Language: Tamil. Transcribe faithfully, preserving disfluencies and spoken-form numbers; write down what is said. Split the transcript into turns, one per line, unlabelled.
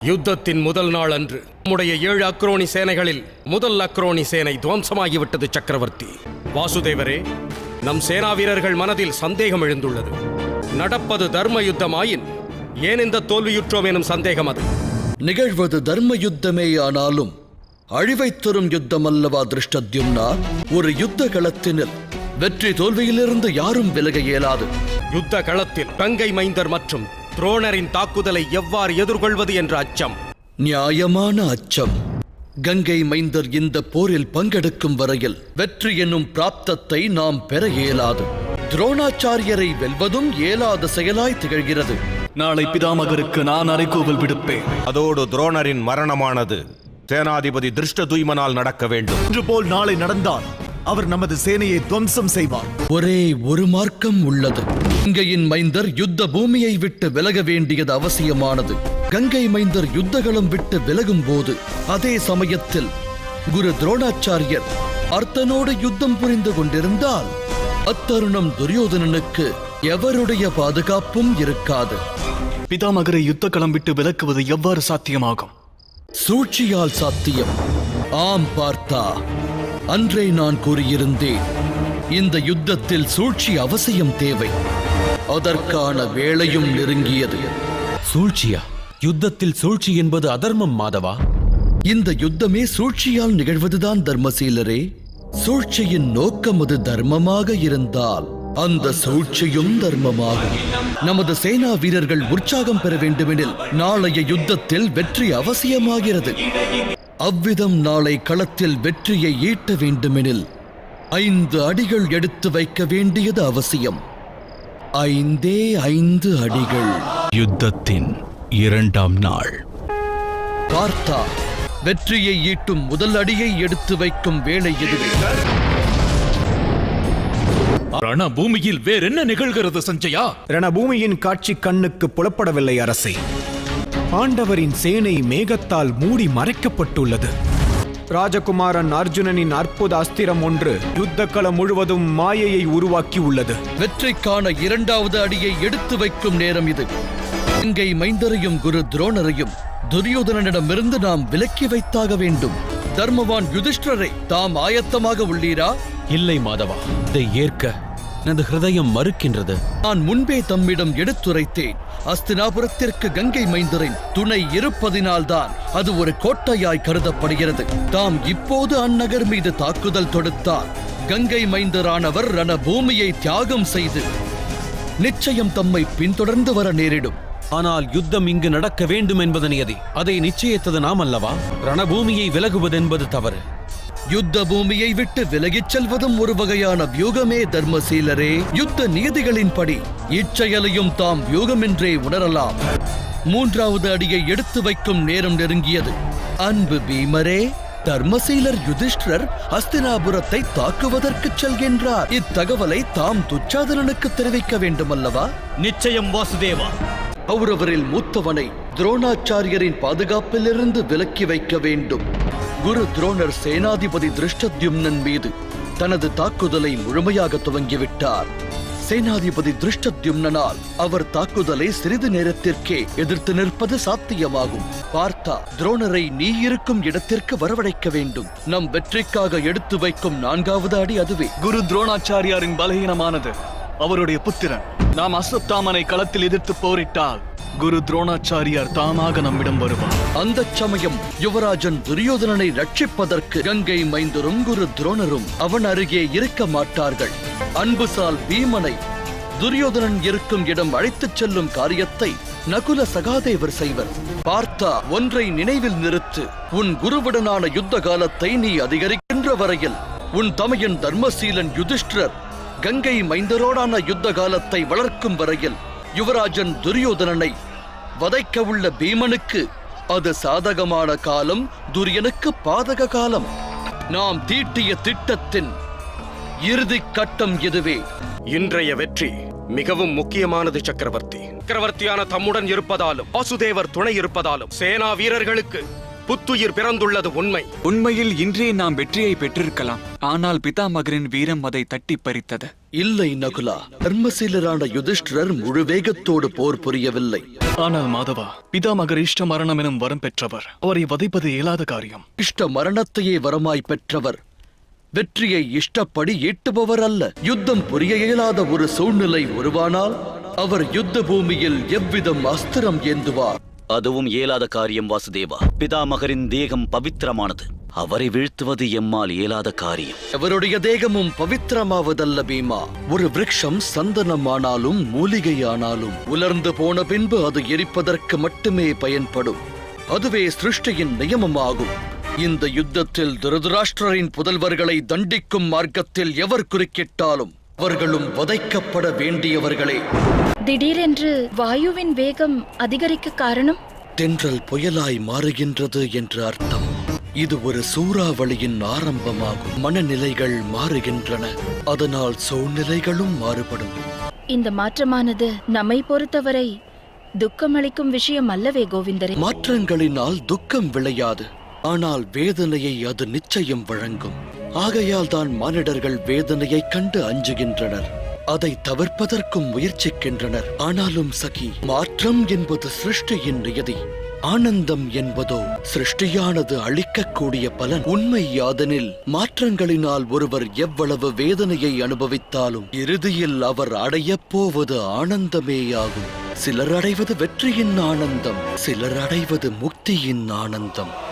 யுத்தத்தின் முதல் நாள் அன்று நம்முடைய ஏழு அக்ரோனி சேனைகளில் முதல் அக்ரோனி சேனை துவம்சமாகிவிட்டது. சக்கரவர்த்தி வாசுதேவரே, நம் சேனா வீரர்கள் மனதில் சந்தேகம் எழுந்துள்ளது. நடப்பது தர்ம யுத்தமாயின் ஏன் இந்த தோல்வியுற்றோம் எனும் சந்தேகம் அது.
நிகழ்வது தர்ம யுத்தமே ஆனாலும் அழிவை தரும் யுத்தம் அல்லவா திருஷ்டத்யும்னா? ஒரு யுத்த களத்தினில் வெற்றி தோல்வியிலிருந்து யாரும் விலக இயலாது.
யுத்த களத்தில் கங்கை மைந்தர் மற்றும் துரோணரின் தாக்குதலை எவ்வாறு எதிர்கொள்வது என்ற அச்சம்.
நியாயமான அச்சம். கங்கை மைந்தர் இந்த போரில் பங்கெடுக்கும் வரையில் வெற்றி என்னும் பிராப்தத்தை நாம் பெற இயலாது. துரோணாச்சாரியரை வெல்வதும் இயலாத செயலாய் திகழ்கிறது.
நாளை பிதாமகருக்கு நான் அறைகூவல் விடுப்பேன்.
அதோடு துரோணரின் மரணமானது சேனாதிபதி திருஷ்டதுய்மனால் நடக்க வேண்டும்.
இன்று போல் நாளை நடந்தால் அவர் நமது சேனையை துவம்சம் செய்வார்.
ஒரே ஒரு மார்க்கம் உள்ளது. கங்கையின் மைந்தர் யுத்த பூமியை விட்டு விலக வேண்டியது அவசியமானது. கங்கை மைந்தர் யுத்தகளம் விட்டு விலகும் போது அதே சமயத்தில் குரு துரோணாச்சாரியர் அர்த்தனோடு யுத்தம் புரிந்து கொண்டிருந்தால் அத்தருணம் துரியோதனனுக்கு எவருடைய பாதுகாப்பும் இருக்காது.
பிதாமகரை யுத்த களம் விட்டு விலக்குவது எவ்வாறு சாத்தியமாகும்?
சூழ்ச்சியால் சாத்தியம். ஆம் பார்த்தா, அன்றே நான் கூறியிருந்தேன், இந்த யுத்தத்தில் சூழ்ச்சி அவசியம் தேவை. அதற்கான வேளையும் நெருங்கியது.
சூழ்ச்சியா? யுத்தத்தில் சூழ்ச்சி என்பது அதர்மம் மாதவா?
இந்த யுத்தமே சூழ்ச்சியால் நிகழ்வதுதான் தர்மசீலரே. சூழ்ச்சியின் நோக்கம் அது தர்மமாக இருந்தால் அந்த சூழ்ச்சியும் தர்மமாகும். நமது சேனா வீரர்கள் உற்சாகம் பெற வேண்டுமெனில் நாளைய யுத்தத்தில் வெற்றி அவசியமாகிறது. அவ்விதம் நாளை களத்தில் வெற்றியை ஈட்ட வேண்டுமெனில் ஐந்து அடிகள் எடுத்து வைக்க வேண்டியது அவசியம். ஐந்தே ஐந்து அடிகள்.
யுத்தத்தின் இரண்டாம் நாள்.
பார்த்தா, வெற்றியை ஈட்டும் முதல் அடியை எடுத்து வைக்கும் வேளை இதுவே.
ரணபூமியில் வேறென்ன நிகழ்கிறது சஞ்சயா?
ரணபூமியின் காட்சி கண்ணுக்கு புலப்படவில்லை அரசே. பாண்டவரின் சேனை மேகத்தால் மூடி மறைக்கப்பட்டுள்ளது. ராஜகுமாரன் அர்ஜுனனின் அற்புத அஸ்திரம் ஒன்று யுத்த களம் முழுவதும் மாயையை உருவாக்கி உள்ளது.
வெற்றிக்கான இரண்டாவது அடியை எடுத்து வைக்கும் நேரம் இது. கங்கை மைந்தரையும் குரு துரோணரையும் துரியோதனனிடமிருந்து நாம் விலக்கி வைத்தாக வேண்டும். தர்மவான் யுதிஷ்டரை தாம் ஆயத்தமாக உள்ளீரா?
இல்லை மாதவா, இதை ஏற்க எனது ஹிருதயம் மறுக்கின்றது.
நான் முன்பே தம்மிடம் எடுத்துரைத்தேன். அஸ்தினாபுரத்திற்கு கங்கை மைந்தரின் துணை இருப்பதினால்தான் அது ஒரு கோட்டையாய் கருதப்படுகிறது. தாம் இப்போது அந்நகர் மீது தாக்குதல் தொடுத்தால் கங்கை மைந்தரானவர் ரணபூமியை தியாகம் செய்து நிச்சயம் தம்மை பின்தொடர்ந்து வர நேரிடும்.
ஆனால் யுத்தம் இங்கு நடக்க வேண்டும் என்பது நியதி. அதை நிச்சயித்தது நாம் அல்லவா? ரணபூமியை விலகுவதென்பது தவறு.
யுத்த பூமியை விட்டு விலகிச் செல்வதும் ஒரு வகையான வியூகமே தர்மசீலரே. யுத்த நீதிகளின்படி இச்செயலையும் தாம் வியூகமென்றே உணரலாம். மூன்றாவது அடியை எடுத்து வைக்கும் நேரம் நெருங்கியது. அன்பு பீமரே, தர்மசீலர் யுதிஷ்டர் ஹஸ்தினாபுரத்தை தாக்குவதற்கு செல்கின்றார். இத்தகவலை தாம் துச்சாதனனுக்கு தெரிவிக்க வேண்டுமல்லவா?
நிச்சயம் வாசுதேவா.
கௌரவரில் மூத்தவனை துரோணாச்சாரியரின் பாதுகாப்பிலிருந்து விலக்கி வைக்க வேண்டும். குரு துரோணர் சேனாதிபதி திருஷ்டத்யும்னன் மீது தனது தாக்குதலை முழுமையாக துவங்கிவிட்டார். சேனாதிபதி திருஷ்டத்யும்னால் அவர் தாக்குதலை சிறிது நேரத்திற்கே எதிர்த்து நிற்பது சாத்தியமாகும். பார்த்தா, துரோணரை நீ இருக்கும் இடத்திற்கு வரவழைக்க வேண்டும். நம் வெற்றிக்காக எடுத்து வைக்கும் நான்காவது அடி அதுவே.
குரு துரோணாச்சாரியாரின் பலகீனமானது அவருடைய புத்திரன். நாம் அஸ்வத்தாமனை களத்தில் எதிர்த்து போரிட்டால் குரு துரோணாச்சாரியார் தாமாக நம்மிடம் வருவார்.
அந்த சமயம் யுவராஜன் துரியோதனனை ரட்சிப்பதற்கு கங்கை மைந்தரும் குரு துரோணரும் அவன் அருகே இருக்க மாட்டார்கள். அன்புசால் பீமனை துரியோதனன் இருக்கும் இடம் அழைத்துச் செல்லும் காரியத்தை நகுல சகாதேவர் செய்வர். பார்த்தா, ஒன்றை நினைவில் நிறுத்து. உன் குருவுடனான யுத்த காலத்தை நீ அதிகரிக்கின்ற வரையில் உன் தமையன் தர்மசீலன் யுதிஷ்டர் கங்கை மைந்தரோடான யுத்த காலத்தை வளர்க்கும் வரையில் யுவராஜன் துரியோதனனை வதைக்க உள்ள பீமனுக்கு அது சாதகமான காலம், துரியனுக்கு பாதக காலம். நாம் தீட்டிய திட்டத்தின் இறுதி கட்டம் இதுவே.
இன்றைய வெற்றி மிகவும் முக்கியமானது சக்கரவர்த்தி. சக்கரவர்த்தியான தம்முடன் இருப்பதாலும் வாசுதேவர் துணை இருப்பதாலும் சேனா வீரர்களுக்கு புத்துயிர் பிறந்துள்ளது உண்மை.
உண்மையில் இன்றே நாம் வெற்றியை பெற்றிருக்கலாம். ஆனால் பிதாமகரின் வீரம் அதை தட்டி பறித்தது.
இல்லை நகுலா, தர்மசீலரான யுதிஷ்டிரர் முழு வேகத்தோடு போர் புரியவில்லை.
ஆனால் மாதவா, பிதாமகர் இஷ்ட மரணம் எனும் வரம் பெற்றவர். அவரை வதைப்பது இயலாத காரியம்.
இஷ்ட மரணத்தையே வரமாய் பெற்றவர் வெற்றியை இஷ்டப்படி ஈட்டுபவர் அல்ல. யுத்தம் புரிய இயலாத ஒரு சூழ்நிலை உருவானால் அவர் யுத்த பூமியில் எவ்விதம் அஸ்திரம் ஏந்துவார்?
அதுவும் இயலாத காரியம் வாசுதேவா. பிதாமகரின் தேகம் பவித்திரமானது. அவரை வீழ்த்துவது எம்மால் இயலாத காரியம்.
அவருடைய தேகமும் பவித்திரமாவதல்ல பீமா. ஒரு விருட்சம் சந்தனமானாலும் மூலிகை ஆனாலும் உலர்ந்து போன பின்பு அது எரிப்பதற்கு மட்டுமே பயன்படும். அதுவே சிருஷ்டியின் நியமமாகும். இந்த யுத்தத்தில் திருதராஷ்டிரரின் புதல்வர்களை தண்டிக்கும் மார்க்கத்தில் எவர் குறுக்கிட்டாலும் அவர்களும் வதைக்கப்பட வேண்டியவர்களே.
திடீரென்று வாயுவின் வேகம் அதிகரிக்க காரணம்?
தென்றல் புயலாய் மாறுகின்றது என்று அர்த்தம். இது ஒரு சூறாவளியின் ஆரம்பமாகும். மனநிலைகள் மாறுகின்றன, அதனால் சூழ்நிலைகளும் மாறுபடும்.
இந்த மாற்றமானது நம்மை பொறுத்தவரை துக்கமளிக்கும் விஷயம் அல்லவே கோவிந்தரே.
மாற்றங்களினால் துக்கம் விளையாது, ஆனால் வேதனையை அது நிச்சயம் வழங்கும். ஆகையால் தான் மானிடர்கள் வேதனையைக் கண்டு அஞ்சுகின்றனர், அதை தவிர்ப்பதற்கும் முயற்சிக்கின்றனர். ஆனாலும் சகி, மாற்றம் என்பது சிருஷ்டியின் நியதி. ஆனந்தம் என்பதோ சிருஷ்டியானது அளிக்கக்கூடிய பலன். உண்மை யாதெனில் மாற்றங்களினால் ஒருவர் எவ்வளவு வேதனையை அனுபவித்தாலும் இறுதியில் அவர் அடையப் போவது ஆனந்தமேயாகும். சிலர் அடைவது வெற்றியின் ஆனந்தம், சிலர் அடைவது முக்தியின் ஆனந்தம்.